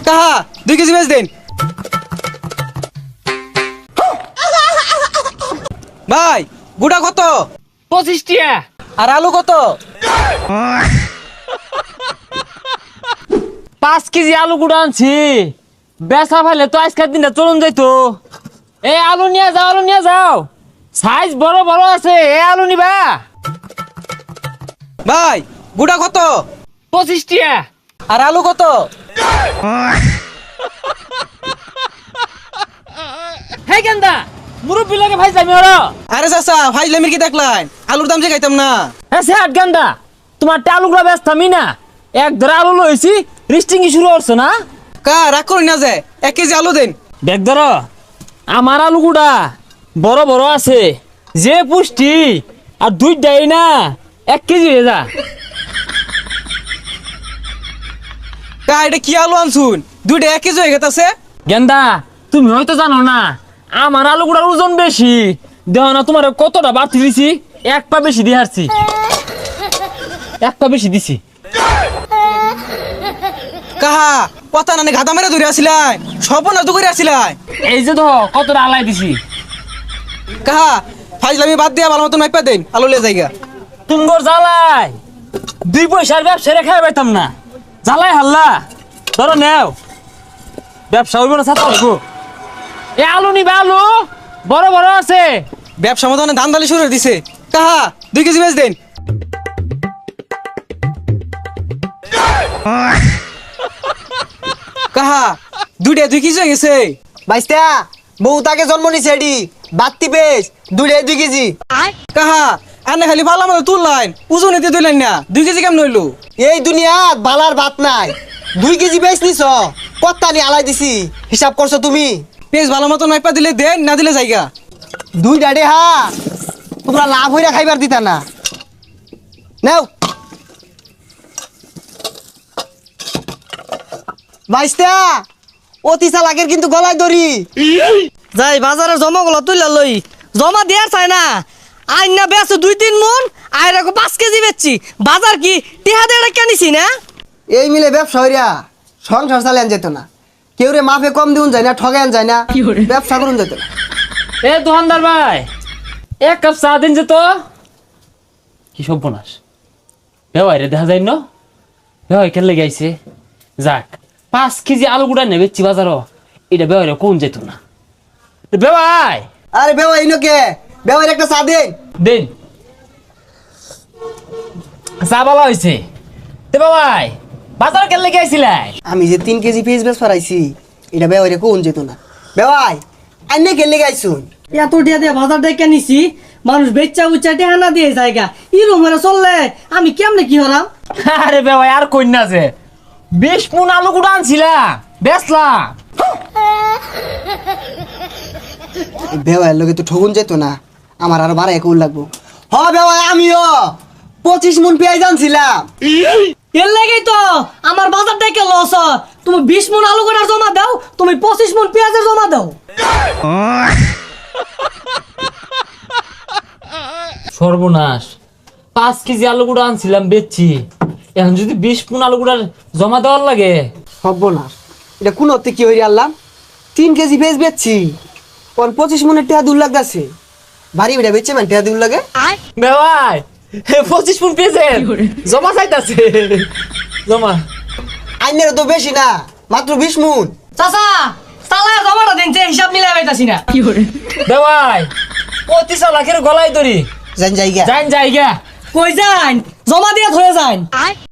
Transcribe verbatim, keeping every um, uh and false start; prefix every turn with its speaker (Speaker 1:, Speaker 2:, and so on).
Speaker 1: কাহা দুই কেজি বেচ দিন ভাই। গুড়া কত?
Speaker 2: পঁচিশ টিয়া।
Speaker 1: আর আলু কত?
Speaker 2: পাঁচ কেজি আলু গুঁড়া আনছি, বেচা ফেলে তো আজকের দিনটা চলুন যাইতো। এই আলু নিয়ে যাও, আলু নিয়ে যাও, সাইজ বড় বড় আছে। এই আলু নিবা?
Speaker 1: ভাই গুড়া কত?
Speaker 2: পঁচিশ টিয়া।
Speaker 1: আর আলু কত?
Speaker 2: হে গেন্দা, মুরব্বী লাগে ভাই যাবি ওরা।
Speaker 1: আরে চাচা ফাইজলামির কি দেখলেন? আলুর দাম যে খাইতাম না।
Speaker 2: হ্যাঁ সে আট গেন্দা, তোমার আলুগুলা ব্যস্ত আমি না এক ধরে আলু লইছি, রিস্টিং শুরু করছো না?
Speaker 1: কা রাগ করি না যে এক কেজি আলু দিন।
Speaker 2: দেখ ধর, আমার আলুগুড়া বড় বড় আছে, যে পুষ্টি আর দুইটাই না এক কেজি হয়ে যা।
Speaker 1: কা এটা কি আলু আনছুন? দুইটা এক কেজি হয়ে গেছে।
Speaker 2: গেন্দা তুমি হয়তো জানো না, আমার আলুগুড়ার ওজন বেশি। দেহ না তোমার কতটা বাড়তি দিছি, এক পা বেশি দিয়ে হারছি, এক পা বেশি দিছি।
Speaker 1: কাহা কথা নানি ঘাতা মেরে ধরে আসিলাই, সপনা তো করে আসিলাই।
Speaker 2: এই যে তো কতটা আলাই দিছি।
Speaker 1: কাহা ফাইজলামি বাদ দিয়া ভালো মতন মাইপা দেন, আলু লে জায়গা।
Speaker 2: তুমগর জ্বালাই দুই পয়সার ব্যবসা রেখে পাইতাম না, জ্বালাই হাল্লা। ধরো নেও, ব্যবসা হইব না ছাতা হইব। এ আলু নিবা, আলু বড় বড় আছে।
Speaker 1: ব্যবসা মতো ধান দালি শুরু করে দিছে। কাহা দুই কেজি বেচ দেন। কাহা দুইটা দুই কেজি হয়ে গেছে।
Speaker 3: বাইস্তা বউ তাকে জন্ম নিছে এডি বাত্তি পেস দুই দুই কেজি।
Speaker 1: কাহা আনে খালি ভালো মতো তুললেন, ওজন এতে তুললেন না, দুই কেজি কেমন হইলো?
Speaker 3: এই দুনিয়াত বালার ভাত নাই, দুই কেজি বেচ নিছ কত্তা নি আলাই দিছি, হিসাব করছো তুমি?
Speaker 1: পেঁচ ভালো মতো মাইপা দিলে দেন, না দিলে জায়গা।
Speaker 3: দুই ডাডে হা তোমরা লাভ হইরা খাইবার দিতা না। নাও বাইস্তা অতি চালাকের কিন্তু গলায় দড়ি।
Speaker 4: যাই বাজারে জমা গুলো তুইলা লই, জমা দেয়ার চাই না। আইন না বেচো দুই তিন মন, আয় রাখো পাঁচ কেজি বেচছি। বাজার কি টিহা দেড় কেনিছি না?
Speaker 3: এই মিলে ব্যবসা হইরা সংসার চালান যেত না, কেউ রে মাফে কম দিউন যায় না, ঠগান যায় না, ব্যবসা করুন যেত না।
Speaker 2: এ দোকানদার ভাই, এক কাপ চা দিন যে তো। কি সর্বনাশ, বেওয়াই রে দেখা যায় ন, বেওয়াই কেন লেগে আইছে। যাক পাঁচ কেজি আলু গুড়া নেবে চি বাজারও, এটা বেওয়াই রে কোন যেত না। বেওয়াই
Speaker 3: আরে বেওয়া ইনোকে বেওয়ার একটা চা দে।
Speaker 2: দিন চা বলা হয়েছে। তে বেওয়াই বাজার কেন লেগে আইছিলাই?
Speaker 3: আমি যে তিন কেজি পেঁয়াজ বেশ পারাইছি, এটা বেওয়ারে কোন যেত না। বেওয়াই আইনে গেলে গাইছুন
Speaker 4: এত টিহা দিয়ে বাজার দিয়ে কেনিছি, মানুষ বেচা উচ্চা টিহা না দিয়ে জায়গা ইরো মেরে চললে আমি কেমনে কি হলাম?
Speaker 2: আরে বেওয়াই আর কইনা যে বিশ মন আলু গুড়া আনছিলাম, বেচলাম।
Speaker 3: বেওয়ার লোকে তো ঠগুন যেত না, আমার আরো বারো একুল লাগবো। হ বেওয়াই আমিও পঁচিশ মন পেঁয়াজ আনছিলাম।
Speaker 4: এর লেগেই তো আমার বাজার থেকে লস। তুমি বিশ মন আলু গোটার জমা দাও, তুমি পঁচিশ মন পেঁয়াজের জমা দাও।
Speaker 2: সর্বনাশ, পাঁচ কেজি আলু গুঁড়া আনছিলাম বেচছি, এখন যদি বিশ মন আলু গুঁড়ার জমা দেওয়ার লাগে।
Speaker 3: হব না, এটা কোন অর্থে কি হইরে আনলাম? তিন কেজি পেঁয়াজ বেচছি, ওর পঁচিশ মনের টেহা দূর লাগতেছে। ভারী বেটা বেচছে মানে টেহা দূর লাগে।
Speaker 2: বেওয়াই পঁচিশ মন পেয়েছে, জমা চাইতাছে জমা।
Speaker 3: আইনের তো বেশি না, মাত্র বিশ মন।
Speaker 4: চাচা চালায় জমাটা দিন, যে হিসাব মিলাই পাইতাছি না।
Speaker 2: বেওয়াই অতি চালাকের গলায় দড়ি,
Speaker 3: জান জায়গা
Speaker 2: যাইন জায়গা।
Speaker 4: কই যান, জমা দিয়ে ধরে যান।